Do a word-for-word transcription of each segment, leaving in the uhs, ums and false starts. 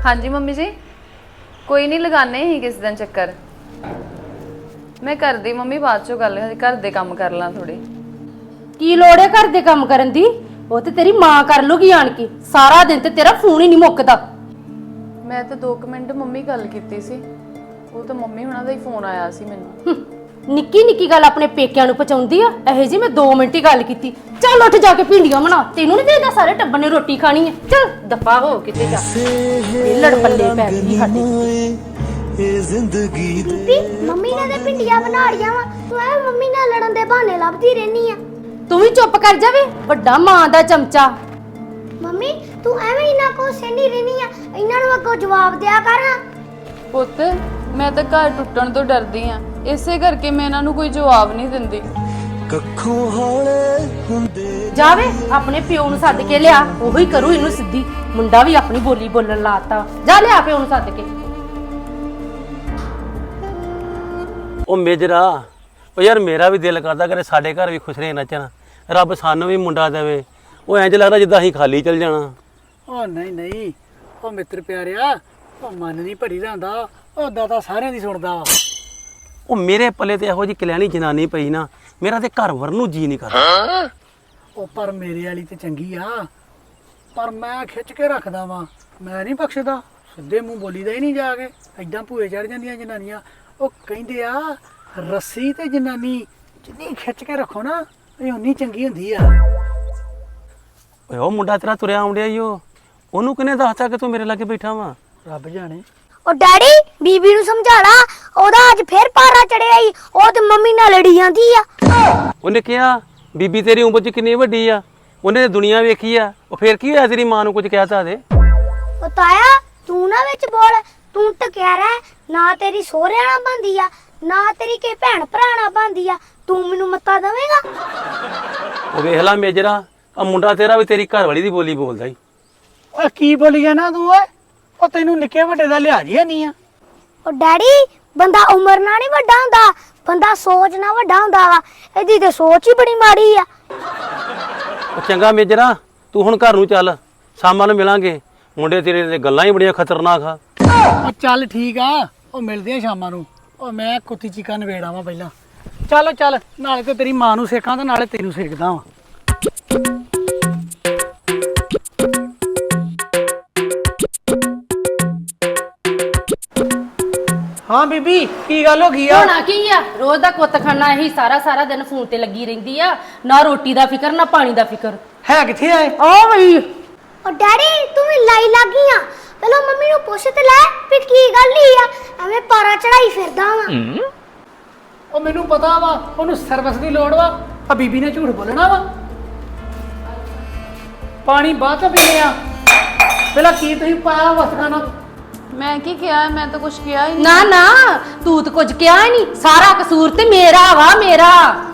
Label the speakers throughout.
Speaker 1: हाँ जी मम्मी जी, कोई नहीं लगाने ही किस दिन चक्कर। मैं कर दी मम्मी बाद चो गल, घर दे काम कर ला थोड़ी।
Speaker 2: की लोड़ है घर दे काम करन दी? वो ते तेरी मां कर लूगी आन के। सारा दिन ते तेरा फोन ही नहीं मुकदा।
Speaker 1: मैं तो दो मिनट मम्मी गल कीती सी, वो तो मम्मी हुणां दा ही फोन आया सी मैनूं।
Speaker 2: निक्की निक्की गल अपने पेकिਆਂ ਨੂੰ ਪਹੁੰਚਾਉਂਦੀ ਆ। ਇਹੋ ਜੀ ਮੈਂ दो ਮਿੰਟ ਹੀ ਗੱਲ ਕੀਤੀ। ਚੱਲ ਉੱਠ ਜਾ ਕੇ ਭਿੰਡੀਆਂ ਬਣਾ। ਤੈਨੂੰ ਨਹੀਂ ਦੇਦਾ ਸਾਰੇ ਟੱਬਰ ਨੇ ਰੋਟੀ ਖਾਣੀ ਹੈ। ਚੱਲ ਦਫਾ ਹੋ ਕਿਤੇ ਜਾ। ਇਹ ਲੜ ਪੱਲੇ ਪੈ ਗਈ ਸਾਡੇ
Speaker 3: ਇਹ ਜ਼ਿੰਦਗੀ
Speaker 4: ਬੀਬੀ ਮੰਮੀ ਨੇ ਤੇ ਭਿੰਡੀਆਂ ਬਣਾ ਲੀਆਂ ਵਾ, ਤੂੰ ਐ ਮੰਮੀ ਨਾਲ ਲੜਨ ਦੇ ਬਹਾਨੇ ਲੱਭਦੀ ਰਹਿਨੀ ਆ।
Speaker 2: ਤੂੰ ਵੀ ਚੁੱਪ ਕਰ ਜਾਵੇ, ਵੱਡਾ ਮਾਂ ਦਾ ਚਮਚਾ।
Speaker 4: ਮੰਮੀ ਤੂੰ ਐਵੇਂ ਇਹਨਾਂ ਕੋ ਸੈਂਡੀ ਰਹਿਨੀ ਆ, ਇਹਨਾਂ ਨੂੰ ਅੱਗੋਂ ਜਵਾਬ ਦਿਆ ਕਰ।
Speaker 1: ਪੁੱਤ मैं तो घर टुटण तो डरदी हाँ, इसे करके मैं इन्हां नूं कोई जवाब नहीं दिंदी।
Speaker 3: ਕੱਖੋਂ ਹੌਲੇ ਹੁੰਦੇ
Speaker 2: ਜਾਵੇ ਆਪਣੇ ਪਿਓ ਨੂੰ ਸੱਦ ਕੇ ਲਿਆ, ਉਹੀ ਕਰੂ ਇਹਨੂੰ ਸਿੱਧੀ। ਮੁੰਡਾ ਵੀ ਆਪਣੀ ਬੋਲੀ ਬੋਲਣ ਲਾਤਾ। ਜਾ ਲਿਆ ਪਿਓ ਨੂੰ ਸੱਦ ਕੇ।
Speaker 5: ਉਹ ਮੇਜਰਾ, ਉਹ ਯਾਰ ਮੇਰਾ ਵੀ ਦਿਲ ਕਰਦਾ ਕਰੇ ਸਾਡੇ ਘਰ ਵੀ ਖੁਸ਼ ਰਹੇ ਨੱਚਣ, ਰੱਬ ਸਾਨੂੰ ਵੀ ਮੁੰਡਾ ਦੇਵੇ। ਉਹ ਇੰਜ ਲੱਗਦਾ ਜਿੱਦਾਂ ਅਸੀਂ ਖਾਲੀ ਚੱਲ ਜਾਣਾ।
Speaker 6: ਉਹ ਨਹੀਂ ਨਹੀਂ ਉਹ ਮਿੱਤਰ ਪਿਆਰਿਆ, ਉਹ ਮਨ ਨਹੀਂ ਭਰੀ ਜਾਂਦਾ, ਉਹਦਾ ਤਾਂ ਸਾਰਿਆਂ ਦੀ ਸੁਣਦਾ ਵਾ।
Speaker 5: ਉਹ ਮੇਰੇ ਪੱਲੇ ਤੇ ਇਹੋ ਜੀ ਕਲਿਆਣੀ ਜਨਾਨੀ ਪਈ ਨਾ, ਮੇਰਾ ਤੇ ਘਰ ਵਰਨ ਨੂੰ ਜੀ ਨਹੀਂ ਕਰਦਾ।
Speaker 6: ਉਹ ਪਰ ਮੇਰੇ ਵਾਲੀ ਤੇ ਚੰਗੀ ਆ, ਪਰ ਮੈਂ ਖਿੱਚ ਕੇ ਰੱਖਦਾ ਵਾਂ, ਮੈਂ ਨਹੀਂ ਬਖਸ਼ਦਾ। ਸਿੱਧੇ ਮੂੰਹ ਬੋਲੀਦਾ ਹੀ ਨਹੀਂ ਜਾ ਕੇ, ਐਦਾਂ ਭੂਏ ਚੜ ਜਾਂਦੀਆਂ ਜਨਾਨੀਆਂ। ਉਹ ਕਹਿੰਦੇ ਆ ਰੱਸੀ ਤੇ ਜਨਾਨੀ ਜਿੰਨੀ ਖਿੱਚ ਕੇ ਰੱਖੋ ਨਾ, ਇਹ ਉਨੀ ਚੰਗੀ ਹੁੰਦੀ ਆ।
Speaker 5: ਓਏ ਉਹ ਮੁੰਡਾ ਤੇਰਾ ਤੁਰਿਆ ਆਉਂਦਿਆ ਈ, ਉਹ ਉਹਨੂੰ ਕਿਹਨੇ ਦੱਸਤਾ ਕਿ ਤੂੰ ਮੇਰੇ ਲਾਗੇ ਬੈਠਾ ਵਾ?
Speaker 6: ਰੱਬ ਜਾਣੇ।
Speaker 4: ਉਹ ਡੈਡੀ ਬੀਬੀ ਨੂੰ ਸਮਝਾ ਲਾ, ਉਹਦਾ ਅੱਜ ਫੇਰ ਪਾਰਾ ਚੜਿਆ ਈ, ਉਹ ਤੇ ਮੰਮੀ ਨਾਲ ਲੜੀ ਜਾਂਦੀ ਆ।
Speaker 5: ਉਹਨੇ ਕਿਹਾ ਬੀਬੀ ਤੇਰੀ ਉਮਰ ਚ ਕਿੰਨੀ ਵੱਡੀ ਆ, ਉਹਨੇ ਦੁਨੀਆ ਵੇਖੀ ਆ। ਉਹ ਫੇਰ ਕੀ ਹੋਇਆ, ਤੇਰੀ ਮਾਂ ਨੂੰ ਕੁਝ ਕਹਿਤਾ ਦੇ?
Speaker 4: ਉਹ ਤਾਇਆ ਤੂੰ ਨਾ ਵਿੱਚ ਬੋਲ, ਤੂੰ ਟਕਿਆ ਰਹਿ। ਨਾ ਤੇਰੀ ਸਹੁਰਿਆਂ ਨਾਲ ਬਣਦੀ ਆ, ਨਾ ਤੇਰੀ ਕਿਸੇ ਭੈਣ ਭਰਾ ਨਾਲ ਬਣਦੀ ਆ, ਤੂੰ ਮੈਨੂੰ ਮੱਤਾ ਦੇਵੇਂਗਾ?
Speaker 5: ਉਹ ਵੇਖ ਲਾ ਮੇਜਰਾ, ਆ ਮੁੰਡਾ ਤੇਰਾ ਵੀ ਤੇਰੀ ਘਰ ਵਾਲੀ ਦੀ ਬੋਲੀ ਬੋਲਦਾ ਈ।
Speaker 6: ਓਏ ਕੀ ਬੋਲੀ ਜਾਣਾ ਤੂੰ? ਓਏ ਉਹ ਤੈਨੂੰ ਨਿੱਕੇ ਵੱਡੇ ਦਾ ਲਿਹਾਜ਼ ਹੀ ਨਹੀਂ ਆ।
Speaker 4: ਉਹ ਡੈਡੀ ਬੰਦਾ ਉਮਰ ਨਾਲ ਨਹੀਂ ਵੱਡਾ ਹੁੰਦਾ, ਬੰਦਾ ਸੋਚ ਨਾਲ ਵੱਡਾ ਹੁੰਦਾ ਵਾ। ਇਹਦੀ ਤੇ ਸੋਚ ਹੀ ਬੜੀ ਮਾੜੀ ਆ।
Speaker 5: ਉਹ ਚੰਗਾ ਮੇਜਰਾ, ਤੂੰ ਹੁਣ ਘਰ ਨੂੰ ਚੱਲ, ਸ਼ਾਮਾਂ ਨੂੰ ਮਿਲਾਂਗੇ। ਮੁੰਡੇ ਤੇਰੇ ਦੇ ਗੱਲਾਂ ਹੀ ਬੜੀਆਂ ਖਤਰਨਾਕ ਆ।
Speaker 6: ਉਹ ਚੱਲ ਠੀਕ ਆ, ਉਹ ਮਿਲਦੇ ਆ ਸ਼ਾਮਾਂ ਨੂੰ। ਉਹ ਮੈਂ ਕੁੱਤੀ ਚੀਕਾਂ ਨਵੇੜਾਂ ਵਾ ਪਹਿਲਾਂ। ਚੱਲ ਚੱਲ, ਨਾਲੇ ਤੇ ਤੇਰੀ ਮਾਂ ਨੂੰ ਸੇਕਾਂ ਤੇ ਨਾਲੇ ਤੈਨੂੰ ਸੇਕਦਾ ਵਾ। ਹਾਂ ਬੀਬੀ ਕੀ ਗੱਲ ਹੋ ਗਈ ਆ?
Speaker 2: ਹੋਣਾ ਕੀ ਆ, ਰੋਜ਼ ਦਾ ਕੁੱਤ ਖਾਣਾ ਇਹੀ ਸਾਰਾ ਸਾਰਾ ਦਿਨ ਫੋਨ ਤੇ ਲੱਗੀ ਰਹਿੰਦੀ ਆ। ਨਾ ਰੋਟੀ ਦਾ ਫਿਕਰ ਨਾ ਪਾਣੀ ਦਾ ਫਿਕਰ।
Speaker 6: ਹੈ ਕਿੱਥੇ ਆਏ?
Speaker 2: ਆ ਬਈ
Speaker 4: ਉਹ ਡੈਡੀ ਤੂੰ ਵੀ ਲਾਈ ਲੱਗੀ ਆ, ਪਹਿਲਾਂ ਮੰਮੀ ਨੂੰ ਪੁੱਛ ਤੇ ਲੈ ਵੀ ਕੀ ਗੱਲ ਹੀ ਆ, ਐਵੇਂ ਪਾਰਾ ਚੜਾਈ ਫਿਰਦਾ ਵਾ।
Speaker 6: ਉਹ ਮੈਨੂੰ ਪਤਾ ਵਾ ਉਹਨੂੰ ਸਰਵਿਸ ਦੀ ਲੋੜ ਵਾ, ਆ ਬੀਬੀ ਨੇ ਝੂਠ ਬੋਲਣਾ ਵਾ। ਪਾਣੀ ਬਾਅਦ ਚ ਪੀਣੇ ਆ, ਪਹਿਲਾਂ ਕੀ ਤੁਸੀਂ ਪਾਇਆ ਵਸਖਾਨਾ?
Speaker 1: मैं की किया है? मैं तो कुछ किया ही नहीं।
Speaker 2: ਨਾ ਨਾ ਤੂੰ ਤਾਂ ਕੁਝ ਕਿਹਾ ਹੀ ਨਹੀਂ, ਸਾਰਾ ਕਸੂਰ ਤੇ ਮੇਰਾ ਵਾ, ਮੇਰਾ।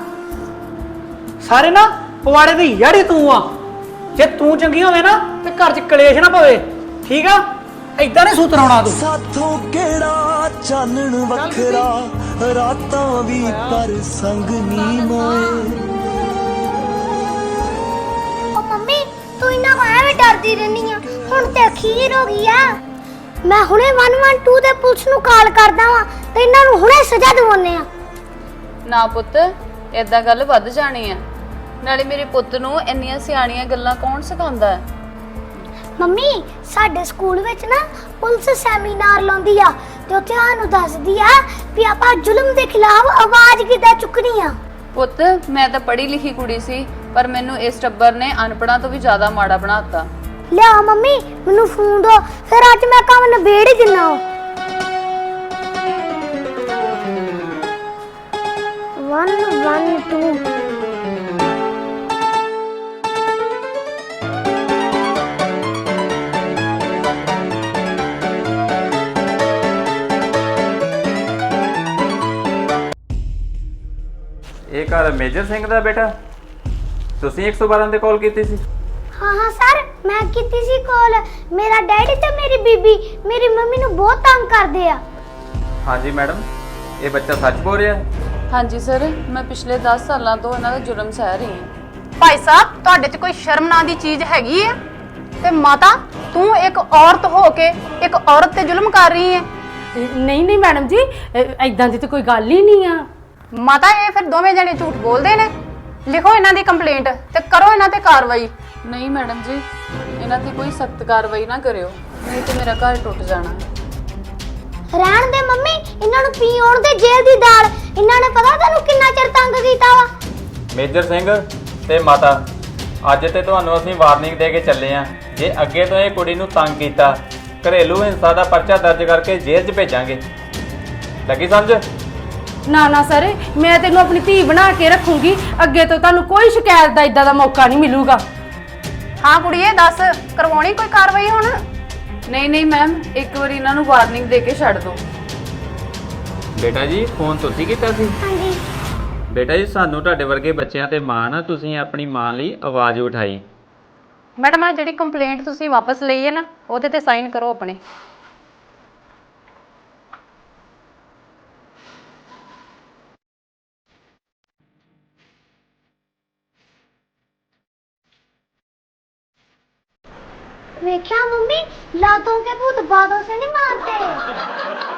Speaker 6: ਸਾਰੇ ਨਾ ਪਵਾੜੇ ਦੀ ਯਾੜੀ ਤੂੰ ਆ। ਜੇ ਤੂੰ ਚੰਗੀ ਹੋਵੇ ਨਾ ਤੇ ਘਰ 'ਚ ਕਲੇਸ਼ ਨਾ ਪਵੇ, ਠੀਕ ਆ? ਏਦਾਂ ਨਹੀਂ ਸੂਤਰਾਉਣਾ ਤੂੰ।
Speaker 3: ਸਾਥੋਂ ਕਿਹੜਾ ਚਾਨਣ ਵੱਖਰਾ, ਰਾਤਾਂ ਵੀ ਪਰ ਸੰਗ ਨੀ ਮਾਏ।
Speaker 4: ਉਹ ਮੰਮੀ ਤੂੰ ਇਹਨਾਂ ਕੋ ਐਵੇਂ ਡਰਦੀ ਰਹਿਨੀ ਆ, ਹੁਣ ਤੇ ਅਖੀਰ ਹੋ ਗਈ ਆ। ਮੈਂ ਹੁਣੇ ਇੱਕ ਇੱਕ ਦੋ ਦੇ ਪੁਲਿਸ ਨੂੰ ਕਾਲ ਕਰਦਾ ਵਾਂ ਤੇ ਇਹਨਾਂ ਨੂੰ ਹੁਣੇ ਸਜ਼ਾ ਦਿਵਾਉਣੇ ਆ।
Speaker 1: ਨਾ ਪੁੱਤ, ਏਦਾਂ ਗੱਲ ਵੱਧ ਜਾਣੀ ਆ। ਨਾਲੇ ਮੇਰੇ ਪੁੱਤ ਨੂੰ ਇੰਨੀਆਂ ਸਿਆਣੀਆਂ ਗੱਲਾਂ ਕੌਣ ਸਿਖਾਉਂਦਾ ਹੈ?
Speaker 4: ਮੰਮੀ ਸਾਡੇ ਸਕੂਲ ਵਿੱਚ ਨਾ ਪੁਲਿਸ ਸੈਮੀਨਾਰ ਲਾਉਂਦੀ ਆ ਤੇ ਉੱਥੇ ਸਾਨੂੰ ਦੱਸਦੀ ਆ ਵੀ ਆਪਾਂ ਜ਼ੁਲਮ ਦੇ ਖਿਲਾਫ ਆਵਾਜ਼ ਕਿੱਦਾਂ ਚੁੱਕਣੀ ਆ।
Speaker 1: ਪੁੱਤ ਮੈਂ ਤਾਂ ਪੜ੍ਹੀ ਲਿਖੀ ਕੁੜੀ ਸੀ, ਪਰ ਮੈਨੂੰ ਇਸ ਟੱਬਰ ਨੇ ਅਨਪੜ੍ਹਾਂ ਤੋਂ ਵੀ ਜ਼ਿਆਦਾ ਮਾੜਾ ਬਣਾਤਾ।
Speaker 4: ਲਿਆ ਮੰਮੀ ਮੈਨੂੰ ਫੋਨ ਦੋ, ਫਿਰ ਅੱਜ ਮੈਂ ਕੰਮ ਨਿਬੇੜ ਹੀ ਦਿੰਨਾ। ਵਨ ਵਨ ਟੂ
Speaker 7: ਇਹ ਘਰ ਮੇਜਰ ਸਿੰਘ ਦਾ ਬੇਟਾ? ਤੁਸੀਂ ਇੱਕ ਸੌ ਬਾਰਾਂ ਤੇ ਕਾਲ ਕੀਤੀ ਸੀ?
Speaker 4: हाँ हाँ सर मैं की सी कॉल। मेरा डैडी ते मेरी बीबी मेरी मम्मी नू बहुत तंग करदे आ।
Speaker 7: हाँ जी मैडम, ये बच्चा सच बोल रहा है?
Speaker 1: हाँ जी सर, मैं पिछले दस सालों तो इन्हां दा जुर्म सह रही हूँ।
Speaker 2: ਭਾਈ ਸਾਹਿਬ ਤੁਹਾਡੇ 'ਚ ਕੋਈ ਸ਼ਰਮ ਨਾਂ ਦੀ ਚੀਜ਼ ਹੈਗੀ ਹੈ? ਤੇ ਮਾਤਾ
Speaker 8: ਤੂੰ ਇੱਕ ਔਰਤ ਹੋ ਕੇ ਇੱਕ ਔਰਤ ਤੇ ਜ਼ੁਲਮ ਕਰ ਰਹੀ ਹੈ।
Speaker 2: ਨਹੀਂ ਨਹੀਂ ਮੈਡਮ ਜੀ, ਐਦਾਂ ਦੀ ਤਾਂ ਕੋਈ ਗੱਲ ਹੀ ਨਹੀਂ ਆ।
Speaker 8: ਮਾਤਾ ਇਹ ਫਿਰ ਦੋਵੇਂ ਜਣੇ ਝੂਠ ਬੋਲਦੇ ਨੇ। ਲਿਖੋ ਇਹਨਾਂ ਦੀ ਕੰਪਲੇਂਟ ਤੇ ਕਰੋ ਇਹਨਾਂ ਤੇ ਕਾਰਵਾਈ।
Speaker 1: ਨਹੀਂ ਮੈਡਮ ਜੀ, ਇਹਨਾਂ ਤੇ ਕੋਈ ਸਖਤ ਕਾਰਵਾਈ ਨਾ ਕਰਿਓ, ਨਹੀਂ ਤੇ ਮੇਰਾ ਘਰ ਟੁੱਟ ਜਾਣਾ।
Speaker 4: ਰਹਿਣ ਦੇ ਮੰਮੀ, ਇਹਨਾਂ ਨੂੰ ਪੀ ਆਉਣ ਦੇ ਜੇਲ੍ਹ ਦੀ ਦਾਲ। ਇਹਨਾਂ ਨੇ ਪਤਾ ਤੈਨੂੰ ਕਿੰਨਾ ਚਿਰ ਤੰਗ ਕੀਤਾ ਵਾ।
Speaker 7: ਮੇਜਰ ਸਿੰਘ ਤੇ ਮਾਤਾ, ਅੱਜ ਤੇ ਤੁਹਾਨੂੰ ਅਸੀਂ ਵਾਰਨਿੰਗ ਦੇ ਕੇ ਚੱਲੇ ਆਂ। ਜੇ ਅੱਗੇ ਤੋਂ ਇਹ ਕੁੜੀ ਨੂੰ ਤੰਗ ਕੀਤਾ, ਘਰੇਲੂ ਹਿੰਸਾ ਦਾ ਪਰਚਾ ਦਰਜ ਕਰਕੇ ਜੇਲ੍ਹ 'ਚ ਭੇਜਾਂਗੇ। ਲੱਗੀ ਸਮਝ?
Speaker 2: ਨਾ ਨਾ ਸਰ, ਮੈਂ ਤੈਨੂੰ ਆਪਣੀ ਧੀ ਬਣਾ ਕੇ ਰੱਖੂੰਗੀ। ਅੱਗੇ ਤੋਂ ਤੁਹਾਨੂੰ ਕੋਈ ਸ਼ਿਕਾਇਤ ਦਾ ਇਦਾਂ ਦਾ ਮੌਕਾ ਨਹੀਂ ਮਿਲੂਗਾ।
Speaker 8: ਹਾਂ ਕੁੜੀਏ, ਦੱਸ ਕਰਵਾਉਣੀ ਕੋਈ ਕਾਰਵਾਈ ਹੁਣ?
Speaker 1: ਨਹੀਂ ਨਹੀਂ ਮੈਮ, ਇੱਕ ਵਾਰੀ ਇਹਨਾਂ ਨੂੰ ਵਾਰਨਿੰਗ ਦੇ ਕੇ ਛੱਡ ਦਿਓ।
Speaker 7: ਬੇਟਾ ਜੀ ਫੋਨ ਤੁਸੀਂ ਕੀਤਾ ਸੀ?
Speaker 4: ਹਾਂਜੀ
Speaker 7: ਬੇਟਾ ਜੀ ਸਾਨੂੰ ਤੁਹਾਡੇ ਵਰਗੇ ਬੱਚਿਆਂ ਤੇ ਮਾਣ ਆ, ਤੁਸੀਂ ਆਪਣੀ ਮਾਂ ਲਈ ਆਵਾਜ਼ ਉਠਾਈ।
Speaker 8: ਮੈਡਮ ਆ ਜਿਹੜੀ ਕੰਪਲੇਂਟ ਤੁਸੀਂ ਵਾਪਸ ਲਈ ਹੈ ਨਾ, ਉਹਦੇ ਤੇ ਸਾਈਨ ਕਰੋ ਆਪਣੇ।
Speaker 4: ਵੇਖਿਆ ਮੰਮੀ, ਲਾਤੋਂ ਕੇ ਭੂਤ ਬਾਦੋਂ ਸੇ ਨਹੀਂ ਮਾਰਤੇ।